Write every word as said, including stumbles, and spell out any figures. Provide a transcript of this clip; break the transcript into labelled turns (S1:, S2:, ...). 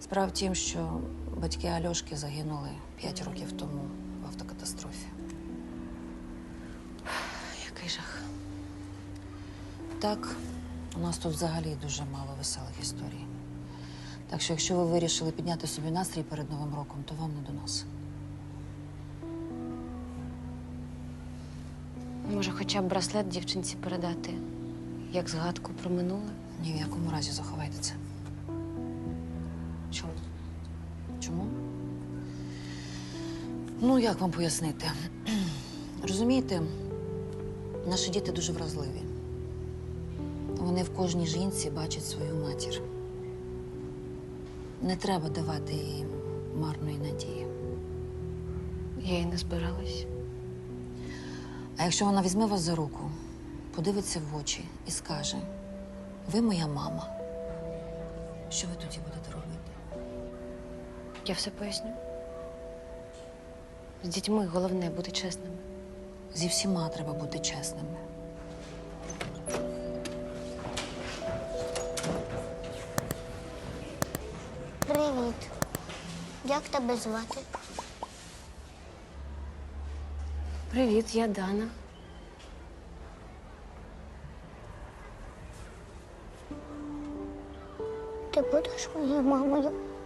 S1: Справа в тім, що батьки Альошки загинули п'ять років тому в автокатастрофі.
S2: Який жах.
S1: Так, у нас тут взагалі дуже мало веселих історій. Так що, якщо ви вирішили підняти собі настрій перед Новим роком, то вам не до нас.
S2: Може, хоча б браслет дівчинці передати, як згадку про минуле?
S1: Ні в якому разі заховайте це.
S2: Чому?
S1: Чому? Ну, як вам пояснити? Розумієте, наші діти дуже вразливі. Вони в кожній жінці бачать свою матір. Не треба давати їм марної надії.
S2: Я й не збиралась.
S1: А якщо вона візьме вас за руку, подивиться в очі і скаже: ви моя мама, що ви тоді будете робити?
S2: Я все поясню. З дітьми головне бути чесними.
S1: Зі всіма треба бути чесними.
S3: Привіт. Як тебе звати?
S2: Привіт, я Дана.
S3: Ти будеш моєю мамою?